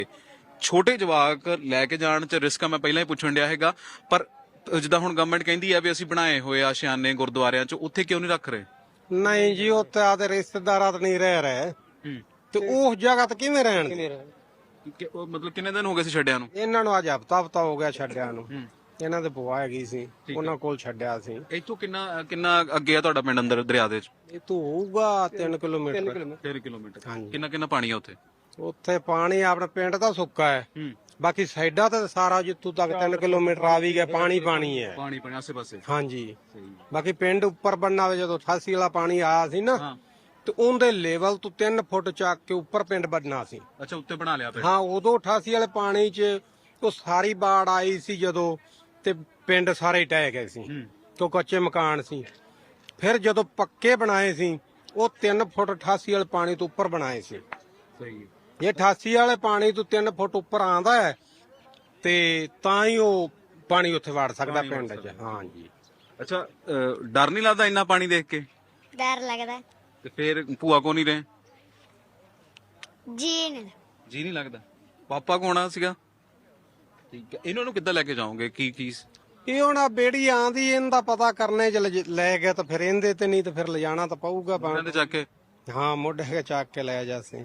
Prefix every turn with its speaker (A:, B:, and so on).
A: ਛੋਟੇ ਜਵਾਕ ਲੈ ਕੇ ਜਾਣ ਚ ਰਿਸਕ ਆ, ਮੈਂ ਪਹਿਲਾਂ ਹੀ ਪੁੱਛਣ ਡਿਆ ਹੈਗਾ। ਪਰ ਜਿੱਦਾਂ ਹੁਣ ਗਵਰਨਮੈਂਟ ਕਹਿੰਦੀ ਆ ਵੀ ਅਸੀਂ ਬਣਾਏ ਹੋਏ ਆ ਸ਼ਿਆਨੇ ਗੁਰਦੁਆਰਿਆਂ ਚ, ਉੱਥੇ ਕਿਉਂ ਨਹੀਂ ਰੱਖ ਰਹੇ?
B: ਨਹੀਂ ਜੀ, ਉੱਥੇ ਆਦੇ ਰਿਸ਼ਤੇਦਾਰਾਂ ਤਾਂ ਨਹੀਂ ਰਹਿ ਰਹੇ ਤੇ ਉਸ ਜਗ੍ਹਾ ਤੇ ਕਿਵੇਂ ਰਹਿਣਗੇ?
A: ਮਤਲਬ ਕਿੰਨੇ ਦਿਨ ਹੋ ਗਏ ਸੀ ਛੱਡਿਆਂ ਨੂੰ?
B: ਇਹਨਾਂ ਨੂੰ ਅੱਜ ਹਫਤਾ ਹੋ ਗਿਆ ਛੱਡਿਆਂ ਨੂੰ। ਇਹਨਾਂ ਦੇ ਭੂਆ ਹੈਗੀ ਸੀ, ਉਹਨਾਂ ਕੋਲ ਛੱਡਿਆ ਸੀ।
A: ਇੱਥੋਂ ਕਿੰਨਾ ਅੱਗੇ ਆ ਤੁਹਾਡਾ ਪਿੰਡ ਅੰਦਰ ਦਰਿਆ ਦੇ ਚ?
B: ਇਹ ਤੋਂ ਹੋਊਗਾ 3 ਕਿਲੋਮੀਟਰ।
A: 3 ਕਿਲੋਮੀਟਰ।
B: ਹਾਂਜੀ।
A: ਕਿੰਨਾ ਪਾਣੀ ਆ ਉੱਥੇ?
B: ਉੱਥੇ ਪਾਣੀ ਆਪਣੇ ਪਿੰਡ ਦਾ ਸੁੱਕਾ ਹੈ, ਬਾਕੀ ਸਾਈਡਾਂ ਤੇ ਸਾਰਾ ਜਿੱਥੋਂ ਤੱਕ 3 ਕਿਲੋਮੀਟਰ ਆ ਵੀ ਗਿਆ ਪਾਣੀ ਹੈ।
A: ਪਾਣੀ ਆਸੇ ਪਾਸੇ।
B: ਹਾਂਜੀ। ਬਾਕੀ ਪਿੰਡ ਉੱਪਰ ਬੰਨਾ ਵੇ, ਜਦੋਂ 88 ਵਾਲਾ ਪਾਣੀ ਆਇਆ ਸੀ ਨਾ ਤੇ ਉਹਦੇ ਲੈਵਲ ਤੋਂ 3 ਫੁੱਟ ਚੱਕ ਕੇ ਉੱਪਰ ਪਿੰਡ ਬਣਨਾ ਸੀ।
A: ਅੱਛਾ, ਉੱਤੇ ਬਣਾ ਲਿਆ ਪਿੰਡ?
B: ਹਾਂ, ਉਦੋਂ 88 ਵਾਲੇ ਪਾਣੀ 'ਚ ਉਹ ਸਾਰੀ ਬਾੜ ਆਈ ਸੀ ਜਦੋਂ, ਤੇ ਪਿੰਡ ਸਾਰੇ ਢਹਿ ਗਏ ਸੀ ਕਿਉਂ ਕੱਚੇ ਮਕਾਨ ਸੀ। ਫਿਰ ਜਦੋਂ ਪੱਕੇ ਬਣਾਏ ਸੀ ਉਹ 3 ਫੁੱਟ 88 ਵਾਲੇ ਪਾਣੀ ਤੋਂ ਉੱਪਰ ਬਣਾਏ ਸੀ।
A: ਸਹੀ।
B: ਇਹ 88 ਵਾਲੇ ਪਾਣੀ ਤੋਂ 3 ਫੁੱਟ ਉੱਪਰ ਆਂਦਾ ਹੈ ਤੇ ਤਾਂ ਹੀ ਉਹ ਪਾਣੀ ਉੱਥੇ ਵੜ ਸਕਦਾ ਪਿੰਡ 'ਚ। ਹਾਂਜੀ।
A: ਅੱਛਾ, ਡਰ ਨਹੀਂ ਲੱਗਦਾ ਇੰਨਾ ਪਾਣੀ ਦੇਖ ਕੇ?
C: ਡਰ ਲੱਗਦਾ।
A: ਤੇ ਫਿਰ ਭੂਆ ਕੋ ਨਹੀਂ ਰਹੇ?
C: ਜੀ
A: ਨਹੀਂ ਲੱਗਦਾ। ਪਾਪਾ ਕੋ ਆਉਣਾ ਸੀਗਾ? ਠੀਕ ਹੈ। ਇਹਨਾਂ ਨੂੰ ਕਿੱਦਾਂ ਲੈ ਕੇ ਜਾਓਗੇ? ਕੀ
B: ਇਹ ਹੁਣ ਬੇੜੀ ਆਂਦੀ, ਇਹਦਾ ਪਤਾ ਕਰਨੇ ਚ ਲੈ ਗਏ ਤਾਂ ਫਿਰ ਇਹਦੇ ਤੇ, ਨਹੀਂ ਤਾਂ ਫਿਰ ਲਿਜਾਣਾ ਤਾਂ ਪਊਗਾ।
A: ਚੱਕ ਕੇ?
B: ਹਾਂ, ਮੋਢੇ ਕੇ ਚੱਕ ਕੇ ਲੈ ਜਾਸੇ।